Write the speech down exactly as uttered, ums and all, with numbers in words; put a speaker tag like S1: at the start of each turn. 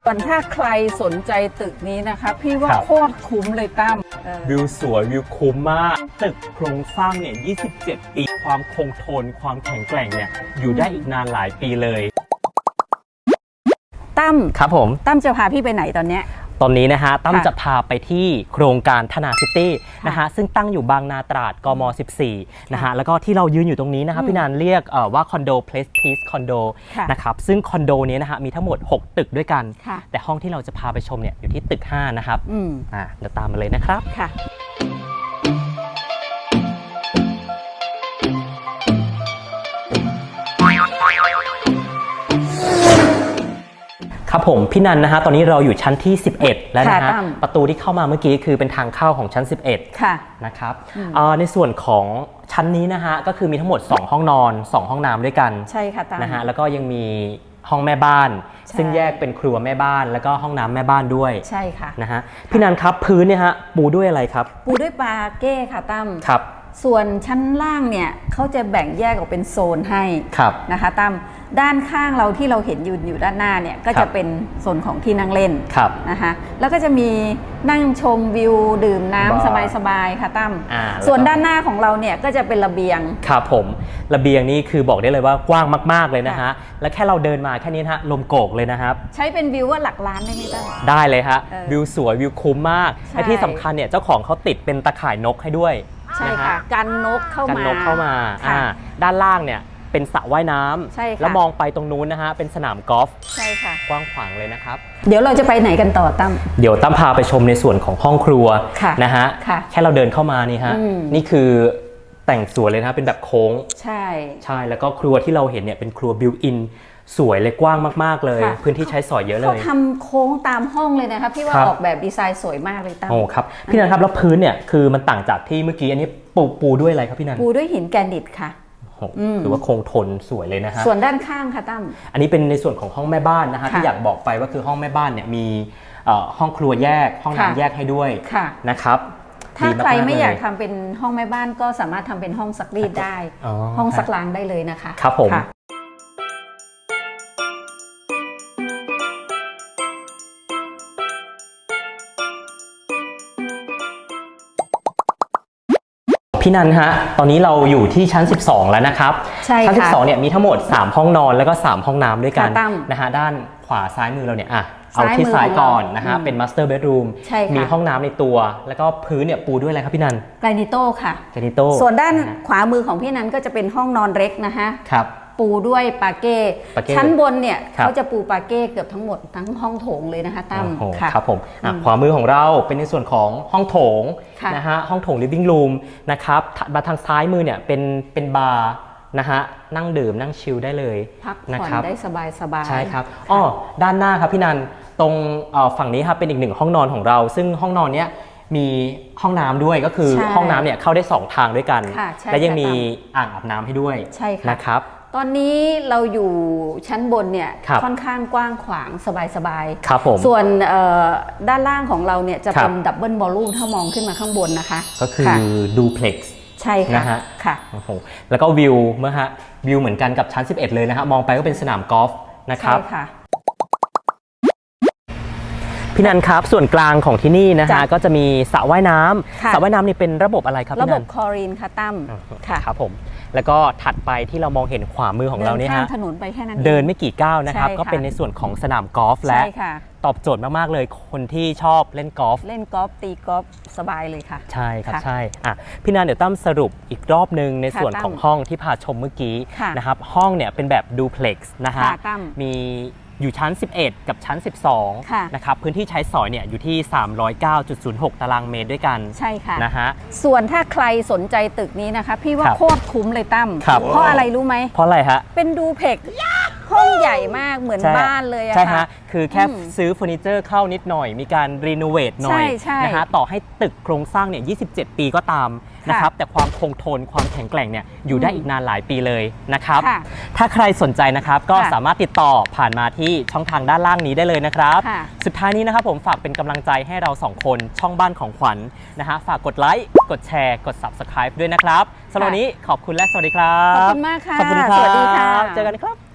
S1: ส่วนถ้าใครสนใจตึกนี้นะคะพี่ว่าโคตรคุ้มเลยตั้ม
S2: วิวสวยวิวคุ้มมากตึกโครงสร้างเนี่ยยี่สิบเจ็ดปีความคงทนความแข็งแกร่งเนี่ยอยู่ได้อีกนานหลายปีเลย
S1: ตั้ม
S2: ครับผม
S1: ตั้มจะพาพี่ไปไหนตอนเนี้ย
S2: ตอนนี้นะฮะตั้มจะพาไปที่โครงการธนาซิตี้นะฮะซึ่งตั้งอยู่บางนาตราดกมสิบสี่นะฮะแล้วก็ที่เรายืนอยู่ตรงนี้นะครับพี่นันเรียกว่าคอนโดเพลสพีซคอนโดนะครับซึ่งคอนโดนี้นะฮะมีทั้งหมดหกตึกด้วยกันแต่ห้องที่เราจะพาไปชมเนี่ยอยู่ที่ตึกห้านะครับอ่าเดี๋ยวตามมาเลยนะครับค่ะครับผมพี่นันนะฮะตอนนี้เราอยู่ชั้นที่สิบเอ็ดแล้วนะฮะประตูที่เข้ามาเมื่อกี้คือเป็นทางเข้าของชั้นสิบเอ็ดค่ะนะครับในส่วนของชั้นนี้นะฮะก็คือมีทั้งหมดสองห้องนอนสองห้องน้ำด้วยกัน
S1: ใช่ค่ะ
S2: นะฮะแล้วก็ยังมีห้องแม่บ้านซึ่งแยกเป็นครัวแม่บ้านแล้วก็ห้องน้ำแม่บ้านด้วย
S1: ใช่ค่ะ
S2: นะฮะพี่นันครับพื้นเนี่ยฮะปูด้วยอะไรครับ
S1: ปูด้วยปาเก้ค่ะตั้ม
S2: ครับ
S1: ส่วนชั้นล่างเนี่ยเขาจะแบ่งแยกออกเป็นโซนให้นะคะตั้มด้านข้างเราที่เราเห็นอยู่อยู่ด้านหน้าเนี่ยก็จะเป็นโซนของที่นั่งเล่นนะคะแล้วก็จะมีนั่งชมวิวดื่มน้ำสบายๆค่ะตั้มส่วนด้านหน้าของเราเนี่ยก็จะเป็นระเบียง
S2: ครับผมระเบียงนี่คือบอกได้เลยว่ากว้างมากๆเลยนะฮะและแค่เราเดินมาแค่นี้ฮะลมโกกเลยนะครับ
S1: ใช้เป็นวิวว่าหลักล้านได้ไหมตั้ม
S2: ได้เลยฮะวิวสวยวิวคุ้มมากและที่สำคัญเนี่ยเจ้าของเขาติดเป็นตะข่ายนกให้ด้วย
S1: ใช่ค่ะกันนกเข้ามา
S2: กันนกเข้ามาด้านล่างเนี่ยเป็นสระว่ายน้ำแล้วมองไปตรงนู้นนะฮะเป็นสนามกอล์ฟ
S1: ใช่ค่ะ
S2: กว้างขวางเลยนะครับ
S1: เดี๋ยวเราจะไปไหนกันต่อตั้ม
S2: เดี๋ยวตั้มพาไปชมในส่วนของห้องครัวนะฮะแค่เราเดินเข้ามานี่ฮะนี่คือแต่งสวยเลยนะเป็นแบบโค้ง
S1: ใช่
S2: ใช่แล้วก็ครัวที่เราเห็นเนี่ยเป็นครัวบิวอินสวยเลยกว้างมากๆเลยพื้นที่ใช้สอยเยอะเลย
S1: เขาทำโค้งตามห้องเลยนะคะพี่ว่าออกแบบดีไซน์สวยมากเลยตั้ม
S2: โอ้ครับพี่นันครับแล้วพื้นเนี่ยคือมันต่างจากที่เมื่อกี้อันนี้ปูปูด้วยอะไรครับพี่นัน
S1: ปูด้วยหินแกรนิตค่ะ
S2: ถือว่าคงทนสวยเลยนะฮะ
S1: ส่วนด้านข้างค่ะตั้ม
S2: อันนี้เป็นในส่วนของห้องแม่บ้านนะฮะที่อยากบอกไปว่าคือห้องแม่บ้านเนี่ยมีห้องครัวแยกห้องน้ำแยกให้ด้วยนะครับ
S1: ถ้าใครไม่อยากทำเป็นห้องแม่บ้านก็สามารถทำเป็นห้องซักรีดได้ห้องซักล้างได้เลยนะคะ
S2: ครับผมพี่นันฮะตอนนี้เราอยู่ที่ชั้นสิบสองแล้วนะครับชั้นสิบสองเนี่ยมีทั้งหมดสามห้องนอนแล้วก็สามห้องน้ำด้วยกันนะฮะด้านขวาซ้ายมือเราเนี่ยอ่ะเอาที่ซ้ายก่อนนะฮะเป็น master bedroom มีห้องน้ำในตัวแล้วก็พื้นเนี่ยปูด้วยอะไรครับพี่นัน
S1: แกรนิโต้ค่ะ
S2: แกรนิโต้
S1: ส่วนด้านขวามือของพี่นันก็จะเป็นห้องนอนเล็กนะฮะ
S2: ครับ
S1: ปูด้วยปาเก้ชั้นบนเนี่ยเขาจะปูปาเก้เกือบทั้งหมดทั้งห้องโถงเลยนะคะตั้ม
S2: ครับผมขวามือของเราเป็นในส่วนของห้องโถงนะฮะห้องโถง living room นะครับมาทางซ้ายมือเนี่ยเป็นเป็นบาร์นะฮะนั่งดื่มนั่งชิลได้เลย
S1: พักผ่อนได้สบายสบาย
S2: ใช่ครับอ๋อด้านหน้าครับพี่นันตรงฝั่งนี้ครับเป็นอีกหนึ่งห้องนอนของเราซึ่งห้องนอนเนี้ยมีห้องน้ำด้วยก็คือห้องน้ำเนี่ยเข้าได้สองทางด้วยกันและยังมีอ่างอาบน้ำให้ด้วยนะครับ
S1: ตอนนี้เราอยู่ชั้นบนเนี่ยค่อนข้างกว้างขวางสบาย
S2: ๆครับผม
S1: ส่วนด้านล่างของเราเนี่ยจะเป็นดับเบิลวอลลุ่มถ้ามองขึ้นมาข้างบนนะคะ
S2: ก็คือดูเพล็กซ์
S1: ใช่ค่ะนะฮะ
S2: ค่ะโอ้โหแล้วก็วิวเมื่อฮะวิวเหมือนกันกับชั้นสิบเอ็ดเลยนะฮะมองไปก็เป็นสนามกอล์ฟนะครับใช่ค่ะพี่นันครับส่วนกลางของที่นี่นะฮะก็จะมีสระว่ายน้ำสระว่ายน้ำนี่เป็นระบบอะไรครับ
S1: ระบบคลอรีนค่ะตั้ม
S2: ค่ะครับผมแล้วก็ถัดไปที่เรามองเห็นขวามือของเราเนี่ยฮะ
S1: ถนนไปแค่นั้น
S2: เดินไม่กี่ก้าวนะครับก็เป็นในส่วนของสนามกอล์ฟและตอบโจทย์มากๆเลยคนที่ชอบเล่นกอล์ฟ
S1: เล่นกอล์ฟตีกอล์ฟสบายเลยค่ะ
S2: ใช่ครับใช่อ่ะพี่นันเดี๋ยวตั้มสรุปอีกรอบนึงในส่วนของห้องที่พาชมเมื่อกี้นะครับห้องเนี่ยเป็นแบบดูเพล็กซ์นะฮะมีอยู่ชั้นสิบเอ็ดกับชั้นสิบสองนะครับพื้นที่ใช้สอยเนี่ยอยู่ที่ สามร้อยเก้าจุดศูนย์หก ตารางเมตรด้วยกัน
S1: ใช่ค่ะ
S2: นะฮะ
S1: ส่วนถ้าใครสนใจตึกนี้นะคะพี่ว่าโคตรคุ้มเลยตั้มเพราะอะไรรู้ไหม
S2: เพราะอะไรฮะ
S1: เป็นดูเพล็กซ์ห้องใหญ่มากเหมือนบ้านเลยอะ
S2: ใช่ฮะคือแค่ซื้อเฟอร์นิเจอร์เข้านิดหน่อยมีการรีโนเวทหน่อยนะฮะต่อให้ตึกโครงสร้างเนี่ยยี่สิบเจ็ดปีก็ตามนะครับแต่ความคงทนความแข็งแกร่งเนี่ยอยู่ได้อีกนานหลายปีเลยนะครับถ้าใครสนใจนะครับก็สามารถติดต่อผ่านมาที่ช่องทางด้านล่างนี้ได้เลยนะครับสุดท้ายนี้นะครับผมฝากเป็นกำลังใจให้เราสองคนช่องบ้านของขวัญ นะฮะฝากกดไลค์กดแชร์กด ซับสไครบ์ ด้วยนะครับสำหรับวันนี้ขอบคุณและสวัสดีครับ
S1: ขอบคุณมากค่ะ
S2: ขอบคุณครับสวัสดีค่ะเจอกันครับ